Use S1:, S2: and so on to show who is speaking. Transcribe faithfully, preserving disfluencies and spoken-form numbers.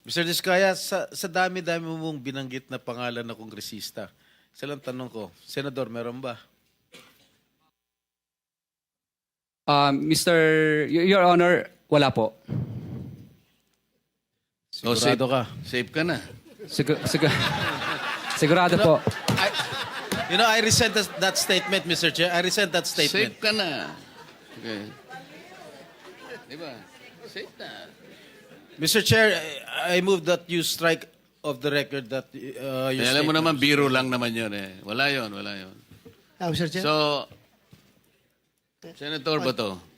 S1: mister Diskaya, sa, sa dami-dami mong binanggit na pangalan na kongresista, isa lang tanong ko, Senador, meron ba?
S2: Uh, Mister Y- Your Honor, wala po.
S3: O, safe,
S1: Sigurado ka?
S3: safe ka na.
S2: Sigur- sigur- sigurado po.
S1: I, you know, I resent that, that statement, Mister Chair. I resent that statement.
S3: Safe ka na. Okay. Di ba? Safe na.
S1: Mister Chair, I I move that you strike of the record that uh, your
S3: Eh, alam mo
S1: statement-
S3: naman, biro lang naman yun eh. Wala yun, wala yun.
S4: Ah, Mister Chair?
S3: So, Senator Bato,